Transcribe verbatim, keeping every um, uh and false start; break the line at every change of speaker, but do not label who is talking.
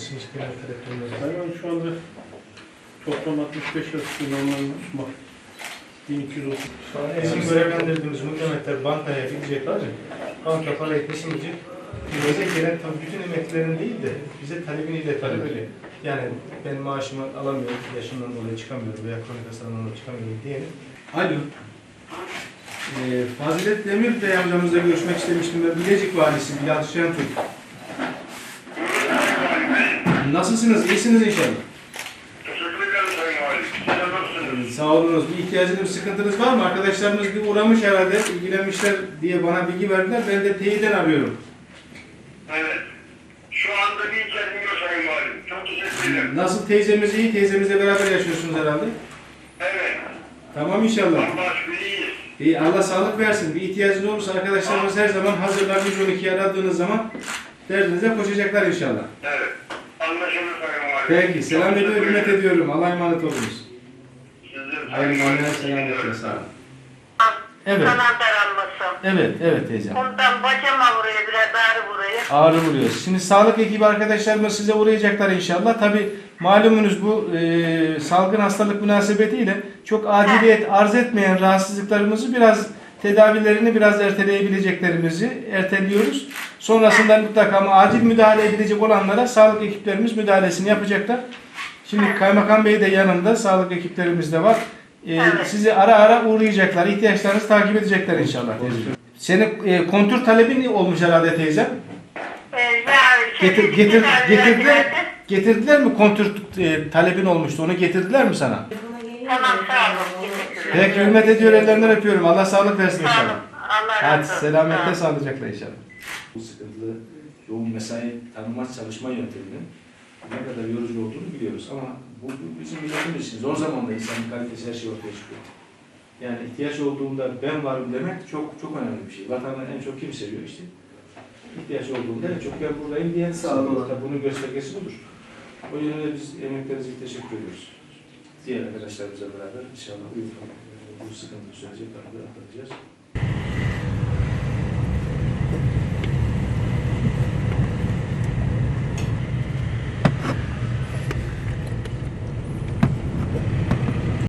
mısınız genel taleplerinize?
Hayvan şu anda toplam altmış beş yaşlı normalde bak bin iki yüz otuz.
Şu an bizim görevlendirdiğimiz muhtemetler bankaya gidecek var ya, banka parayı teslim edecek. Bize gelen tabii bütün emeklilerin değil de bize talebini iletelim öyle. Yani ben maaşımı alamıyorum, yaşımdan dolayı çıkamıyorum veya kronik hastalığından dolayı çıkamıyorum diyelim.
Alo. Ee, Fazilet Demir Bey amcamızla görüşmek istemiştim ben. Bilecik Valisi Bilal Şentürk. Nasılsınız? İyisiniz inşallah.
Teşekkür ederim Sayın Valim. Siz nasılsınız?
Ee, sağ olunuz. Bir ihtiyacınız, bir sıkıntınız var mı? Arkadaşlarımız bir uğramış herhalde, ilgilenmişler diye bana bilgi verdiler. Ben de teyiden arıyorum.
Evet. Şu anda bir ihtiyacım yok Sayın Valim. Çok teşekkür ederim.
Nasıl teyzemiz iyi? Teyzemizle beraber yaşıyorsunuz herhalde.
Evet.
Tamam inşallah.
Allah şükür iyiyiz.
İyi, Allah sağlık versin. Bir ihtiyacınız olursa arkadaşlarımız her zaman hazırlar. yüz on ikiyi aradığınız zaman derdinize koşacaklar inşallah.
Evet. Anlaşılır Sayın Valim.
Peki, selam ediyorum, hürmet ediyorum. Allah'a emanet olunuz.
Sizler
Hayırlı günler, selametle, sağ olun.
Evet,
Kanal daralması.
evet, evet teyzem.
Ondan bacama vuruyor, biraz ağrı vuruyor.
Ağrı vuruyor. Şimdi sağlık ekibi arkadaşlarımız size uğrayacaklar inşallah. Tabi malumunuz bu e, salgın hastalık münasebetiyle çok aciliyet arz etmeyen rahatsızlıklarımızı biraz tedavilerini biraz erteleyebileceklerimizi erteliyoruz. Sonrasında mutlaka ama acil müdahale edilecek olanlara sağlık ekiplerimiz müdahalesini yapacaklar. Şimdi Kaymakam Bey de yanında, sağlık ekiplerimiz de var. Ee,
Evet.
Sizi ara ara uğrayacaklar, ihtiyaçlarınızı takip edecekler inşallah teyzem. Senin e, kontür talebin olmuş herhalde teyzem.
Ee, ya,
Getir,
şey,
getir,
bir
getirdiler,
verdi.
getirdiler mi kontür e, talebin olmuştu, onu getirdiler mi sana?
Tamam, sağ olun. Teşekkürler.
Peki, hürmet ediyor, ellerinden öpüyorum. Allah sağlık versin
Sağ olun.
inşallah.
Allah
Hadi
razı olsun.
selamette,
Sağ olun.
sağlıcakla inşallah.
Bu sıkıntılı yoğun mesai tanınmaz çalışma yönteminin ne kadar yorucu olduğunu biliyoruz ama bu bu bizim milletimiz için zor zamanda insanın kalitesi her şey ortaya çıkıyor. Yani ihtiyaç olduğunda ben varım demek çok çok önemli bir şey. Vatanı en çok kim seviyor işte? İhtiyaç olduğunda en çok ben buradayım diyen sağlıkta bunun göstergesi budur. O yönde biz emeklerinize teşekkür ediyoruz. Diğer arkadaşlarımızla beraber inşallah bu, bu sıkıntı süreci atlatacağız.